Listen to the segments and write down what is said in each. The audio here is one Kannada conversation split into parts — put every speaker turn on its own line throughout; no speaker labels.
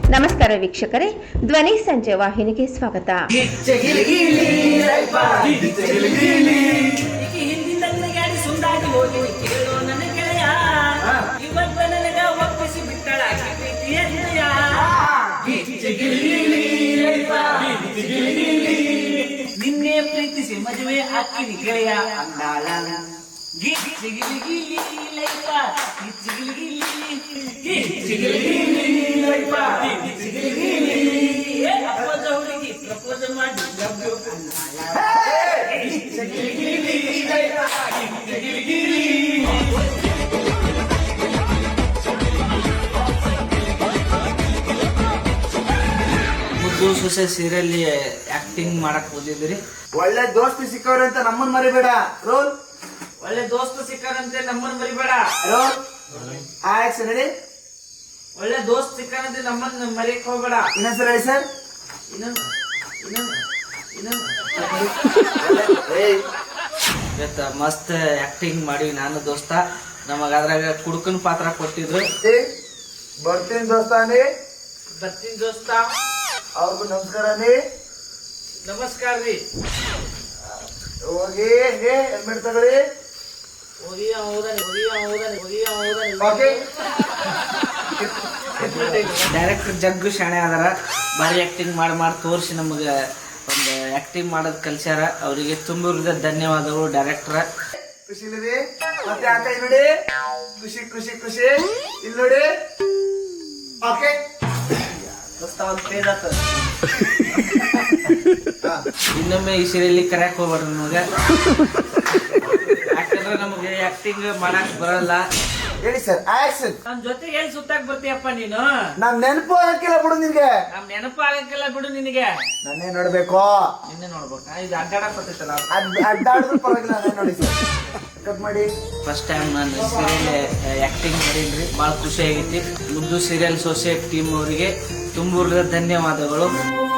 ನಮಸ್ಕಾರ ವೀಕ್ಷಕರೇ, ಧ್ವನಿ ಸಂಜೆ ವಾಹಿನಿಗೆ ಸ್ವಾಗತ.
ನಿನ್ನೆ ಪ್ರೀತಿಸಿ ಮದುವೆ ಹಾಕಿನಿ ಗೆಳೆಯ ಅಂದಾಳ ಅಪ್ಪದ ಹುಡುಗಿ ಪ್ರಪೋಸ್ ಮಾಡಿ ಮುದ್ದು ಸೊಸೆ ಸೀರಿಯಲ್ ಆಕ್ಟಿಂಗ್ ಮಾಡಕ್ ಓದಿದ್ರಿ.
ಒಳ್ಳೆ ದೋಸ್ತಿ ಸಿಕ್ಕವ್ರೆ ಅಂತ ನಮ್ಮನ್ ಮರಿಬೇಡ. ರೋಲ್.
ಒಳ್ಳೆ ದೋಸ್ತ ಸಿಕ್ಕಾರಂತೆ ನಮ್ಮನ್ ಮರಿಬೇಡ.
ರೋಲ್. ಆಕ್ಷನ್ ಹೇಳಿ.
ಒಳ್ಳೆ ದೋಸ್ತ್ ಸಿಕ್ಕಾರಂತೆ ನಮ್ಮನ್ ಮರಿಯಕ್ ಹೋಗ್ಬೇಡ.
ಇನ್ನೊಂದ್ಸಲ ಹೇಳಿ ಸರ್.
ಇವತ್ತ ಮಸ್ತ್ ಆಕ್ಟಿಂಗ್ ಮಾಡಿ ನಾನು ದೋಸ್ತ. ನಮಗ ಅದ್ರಾಗ ಕುಡುಕನ್ ಪಾತ್ರ ಕೊಟ್ಟಿದ್ರು.
ಬರ್ತೀನಿ ದೋಸ್ತಾನಿ.
ಬರ್ತೀನಿ ದೋಸ್ತ.
ಅವ್ರಿಗೂ ನಮಸ್ಕಾರ ನೀ.
ನಮಸ್ಕಾರ ರೀ.
ಹೋಗಿ ಹೆಲ್ಮೆಟ್ ತಗೊಳ್ಳಿ.
ಡೈರೆಕ್ಟರ್ ಜಗ್ಗು ಶಾಣೆ ಅದಾರ. ಭಾರಿ ಆಕ್ಟಿಂಗ್ ಮಾಡಿ ತೋರಿಸಿ ನಮಗೆ ಒಂದು ಆಕ್ಟಿಂಗ್ ಮಾಡೋದ್ ಕಲ್ಸ್ಯಾರ. ಅವರಿಗೆ ತುಂಬ ಧನ್ಯವಾದಗಳು ಡೈರೆಕ್ಟರ್.
ಖುಷಿ ಇಲ್ಲಿ ಮತ್ತೆ ಆ ಕೈ ನೋಡಿ. ಖುಷಿ ಖುಷಿ ಖುಷಿ. ಇಲ್ಲಿ ನೋಡಿ. ಓಕೆ
ಇನ್ನೊಮ್ಮೆ ಈ ಸೀರಿಯಲ್ ಕರೆಯಕ್ ಹೋಗ್ಬಾರ್ದು ನಮಗೆ. ಯಾಕಂದ್ರೆ ನಮಗೆ ಆಕ್ಟಿಂಗ್ ಮಾಡಕ್ ಬರಲ್ಲ.
ಹೇಳಿ ಸರ್. ಆಕ್ಷನ್.
ನನ್ ಜೊತೆಗೆ ಎಲ್ಲಿ ಸುತ್ತಾಕ್ ಬರ್ತೀಯಪ್ಪ ನೀನು?
ನಾನ್ ನೆನಪು ಆಗಕ್ಕಿಲ್ಲ ಬಿಡು ನಿನ್ಗೆ.
ನಮ್ ನೆನಪು ಆಗಕ್ಕಿಲ್ಲ ಬಿಡು ನಿನಗೆ.
ನನ್ನೇ ನೋಡ್ಬೇಕು.
ನಿನ್ನೆ ನೋಡ್ಬೇಕಾ? ಇದು ಅಡ್ಡಾಡಕ್ ಬರ್ತೈತಲ್ಲ.
ಅಡ್ಡಾಡಿದ್ರು ಪರವಾಗಿಲ್ಲ. ನಾನೇ ನೋಡಿ ಸರ್. ಕಟ್ ಮಾಡಿ.
ಫಸ್ಟ್ ಟೈಮ್ ನಾನು ಸೀರಿಯಲ್ ಆಕ್ಟಿಂಗ್ ಮಾಡಿದ್ರಿ. ಬಹಳ ಖುಷಿ ಆಗೈತಿ. ಮುದ್ದು ಸೀರಿಯಲ್ ಸೊಸೈಟಿ ಟೀಮ್ ಅವರಿಗೆ ತುಂಬ ಧನ್ಯವಾದಗಳು.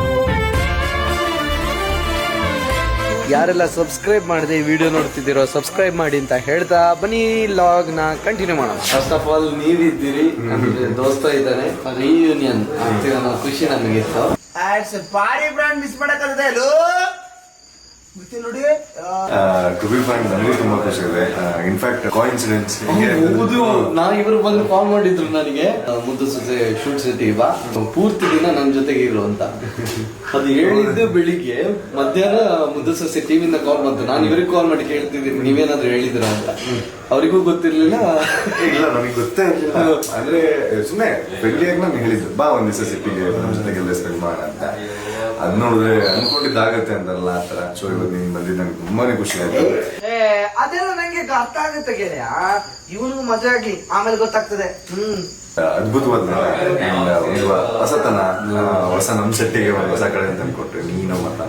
ಯಾರೆಲ್ಲ ಸಬ್ಸ್ಕ್ರೈಬ್ ಮಾಡದೆ ಈ ವಿಡಿಯೋ ನೋಡ್ತಿದ್ದೀರೋ ಸಬ್ಸ್ಕ್ರೈಬ್ ಮಾಡಿ ಅಂತ ಹೇಳ್ತಾ ಬನ್ನಿ ಲಾಗ್ ನ ಕಂಟಿನ್ಯೂ ಮಾಡೋಣ. ಫಸ್ಟ್ ಆಫ್ ಆಲ್ ನೀವಿದ್ದೀರಿ, ನಮ್ಗೆ ದೋಸ್ತ ಇದ್ದಾನೆ, ರಿಯೂನಿಯನ್ ಆಗ್ತಿದೆ ಅನ್ನೋ ಖುಷಿ ನಮಗಿತ್ತು.
ಪಾರಿ ಬ್ರಾಂಡ್ ಮಿಸ್ ಮಾಡಕ್ಕಾಗದೆ ಅಲ್ಲೋ ನೋಡಿ.
ಟು ಬಿ ಫ್ರಾಂಕ್ ನನಗೂ ತುಂಬಾ ಖುಷಿ ಇದೆ. ಇನ್ಫ್ಯಾಕ್ಟ್ ಕೋಇನ್ಸಿಡೆನ್ಸ್
ಹೌದು, ಇವರು ಬಂದು ಕಾಲ್ ಮಾಡಿದ್ರು ನನಗೆ, ಮುದ್ದು ಸೊಸೆ ಶೂಟ್ ಸಿಟಿ ಬಾ ಪೂರ್ತಿ ದಿನ ನನ್ನ ಜೊತೆಗೆ ಇರು ಅಂತ. ಅದು ಹೇಳಿದ್ದು ಬೆಳಿಗ್ಗೆ, ಮಧ್ಯಾಹ್ನ ಮುದ್ದು ಸೊಸೆ ಟಿವಿಯಿಂದ ಕಾಲ್ ಬಂತು. ನಾನು ಇವರಿಗೆ ಕಾಲ್ ಮಾಡಿ ಕೇಳ್ತಿದ್ದೀನಿ ನೀವೇನಾದ್ರು ಹೇಳಿದ್ರ ಅಂತ. ಅವರಿಗೂ ಗೊತ್ತಿರ್ಲಿಲ್ಲ.
ಇಲ್ಲ, ನನಗೆ ಗೊತ್ತೇ ಇರಲಿಲ್ಲ. ಅಂದ್ರೆ ಸುಮ್ಮನೆ ಫ್ರೆಂಡ್ಲಿಯಾಗಿ ನಾನು ಹೇಳಿದ್ದು, ಬಾ ಒಂದ್ ದಿವಸ ಸಿಟ್ಟಿಗೆ ನಮ್ಮ ಜೊತೆಗೆಲ್ಲ ಸ್ಪೆಂಡ್ ಮಾಡೋಣ ಅಂತ. ಅದ್ ನೋಡಿದ್ರೆ ಅನ್ಕೊಂಡಿದ್ದಾಗತ್ತೆ ಅಂತಲ್ಲ ಆ ತರ. ಸೊ ಇವತ್ತು ನೀನ್ ಬಂದಿದ್ದು ನಂಗೆ ತುಂಬಾನೇ ಖುಷಿ ಆಯ್ತು.
ಅದೆಲ್ಲ ನಂಗೆ ಅರ್ಥ ಆಗುತ್ತೆ ಗೆಳೆಯ. ಇವನಿಗೂ ಮಜಾ ಆಗ್ಲಿ, ಆಮೇಲೆ ಗೊತ್ತಾಗ್ತದೆ.
ಅದ್ಭುತವಾದ ಒಂದು ಹೊಸತನ, ಹೊಸ ನಮ್ ಸೆಟ್ಟಿಗೆ ಒಂದು ಹೊಸ ಕಡೆ ಅಂತ ಅನ್ಕೊಟ್ರೆ ನೀನು ಮತ್ತ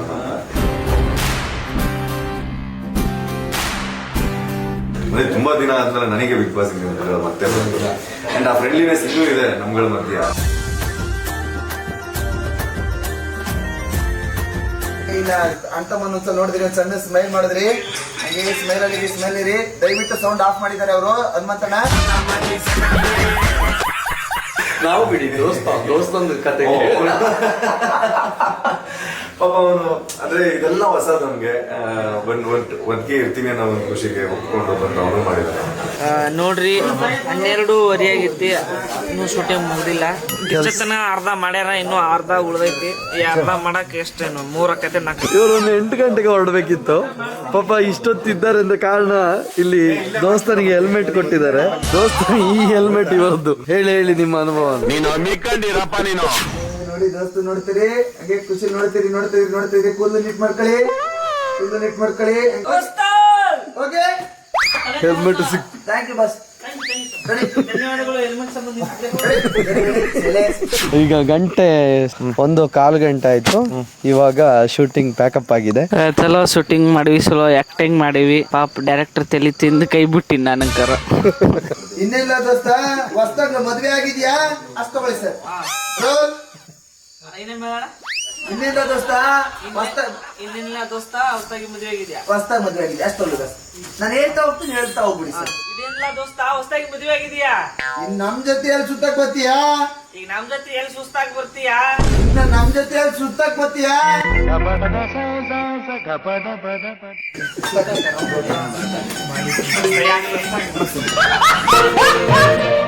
ಅಂದ್ರೆ ತುಂಬಾ ದಿನ ಆದ್ಮೇಲೆ ನನಗೆ ಬಿಗ್ ಬಾಸ್ ಮತ್ತೆ ಬಂದಿಲ್ಲ. ಅಂಡ್ ಆ ಫ್ರೆಂಡ್ಲಿನೆಸ್ ಇನ್ನೂ ಇದೆ ನಮ್ಗಳ ಮಧ್ಯ.
ಇಲ್ಲ ಅಂತ ಒಂದ್ಸಲ ನೋಡಿದ್ರಿ, ಒಂದ್ ಸಣ್ಣ ಸ್ಮೈಲ್ ಮಾಡಿದ್ರಿ. ಹಂಗೆ ಸ್ಮೈಲ್ ಅಲ್ಲಿ ಸ್ಮೈಲ್ ಇರಿ. ದಯವಿಟ್ಟು ಸೌಂಡ್ ಆಫ್ ಮಾಡಿದ್ದಾರೆ ಅವರು. ಹನುಮಂತಣ್ಣ
ನಾವು ಬಿಡಿ ದೋಸ್ತೊಂದು ಕತೆ
ಪಾಪ ಅವನು ಅಂದ್ರೆ ಇದೆಲ್ಲ ಹೊಸದು ನಮ್ಗೆ. ಒಟ್ಟಿಗೆ ಇರ್ತೀವಿ ಅನ್ನೋ ಒಂದು ಖುಷಿಗೆ ಒಪ್ಕೊಂಡು ಬಂದು ಅವನು ಮಾಡಿದ್ದಾರೆ.
ನೋಡ್ರಿ 12:30 ಆಗೈತಿ. ಇನ್ನೂ ಶೂಟಿಂಗ್ ಮುಗ್ದಿಲ್ಲ. ಇಷ್ಟತನ ಅರ್ಧ ಮಾಡ್ಯಾರ, ಇನ್ನೂ ಅರ್ಧ ಉಳ್ದೈತಿ. ಈ ಅರ್ಧ ಮಾಡಕ್ ಎಷ್ಟೇನು 3 ಆಕೈತೆ 4.
ಇವರು ಒಂದು 8 ಗಂಟೆಗೆ ಹೊರಡ್ಬೇಕಿತ್ತು. ಪಾಪ ಇಷ್ಟೊತ್ತಿದ್ದಾರೆ ಅಂತ ಕಾರಣ ಇಲ್ಲಿ ದೋಸ್ತನಿಗೆ ಹೆಲ್ಮೆಟ್ ಕೊಟ್ಟಿದ್ದಾರೆ. ದೋಸ್ತ ಈ ಹೆಲ್ಮೆಟ್ ಇವರದ್ದು. ಹೇಳಿ ನಿಮ್ಮ ಅನುಭವ.
ನೀನು ಮಿಕ್ಕಂಡಿರಪ್ಪ ನೀನು.
ನೋಡಿ ದೋಸ್ತು ನೋಡ್ತೀರಿ, ಹಂಗೆ ಖುಷಿ ನೋಡ್ತೀರಿ. ಕೂದಲು ನೀಟ್ ಮಾಡ್ಕೊಳ್ಳಿ. ಓಕೆ,
ಹೆಲ್ಮೆಟ್ ಸಿಕ್.
Thank you boss.
ಧನ್ಯವಾದಗಳು. ಹೆಲ್ಮೆಟ್ ಸಂಬಂಧ
ಈಗ ಗಂಟೆ 1:15 ಗಂಟೆ ಆಯ್ತು. ಇವಾಗ ಶೂಟಿಂಗ್ ಪ್ಯಾಕಪ್ ಆಗಿದೆ.
ಚಲೋ ಶೂಟಿಂಗ್ ಮಾಡಿವಿ, ಚಲೋ ಆಕ್ಟಿಂಗ್ ಮಾಡಿವಿ. ಪಾಪ ಡೈರೆಕ್ಟರ್ ತಲೆ ತಿಂದು ಕೈ ಬಿಟ್ಟಿನಿ ನನಗರ.
ಇನ್ನೆಲ್ಲ ದೋಸ್ತ ಹೊಸ್ದಾಗ ಮದ್ವೆ ಆಗಿದ್ಯಾ? ಅಷ್ಟು ತಗೊಳ್ಳಿ ಸರ್. ರೋಲ್. ಇನ್ನೆಲ್ಲ ದೋಸ್ತ
ಹೊಸ್ತಾಗಿ ಮದುವೆ ಆಗಿದ್ಯಾ?
ಹೊಸ್ತಾಗಿ ಮದ್ವೆ ಆಗಿದೆ ಅಷ್ಟು ತಗೊಳ್ಳಿ ಬಸ್. ನಾನು ಹೇಳ್ತಾ ಹೋಗ್ಬಿಡಿ ಸರ್.
ಇದೇನಿಲ್ಲ ದೋಸ್ತ ಹೊಸ್ತಾಗಿ ಮದುವೆ ಆಗಿದ್ಯಾ?
ನಮ್ ಜೊತೆ ಸುತ್ತಕ್ ಬರ್ತೀಯಾ?
ಈಗ ನಮ್ ಜೊತೆ ಎಲ್ಲಿ ಸುಸ್ತಾಗಿ ಬರ್ತೀಯಾ?
ಇನ್ನ ನಮ್ ಜೊತೆ ಸುತ್ತಾಕ್ ಬತ್ತೀಯಾ?
ಯಾಕೆ ಸುಸ್ತಾಗಿ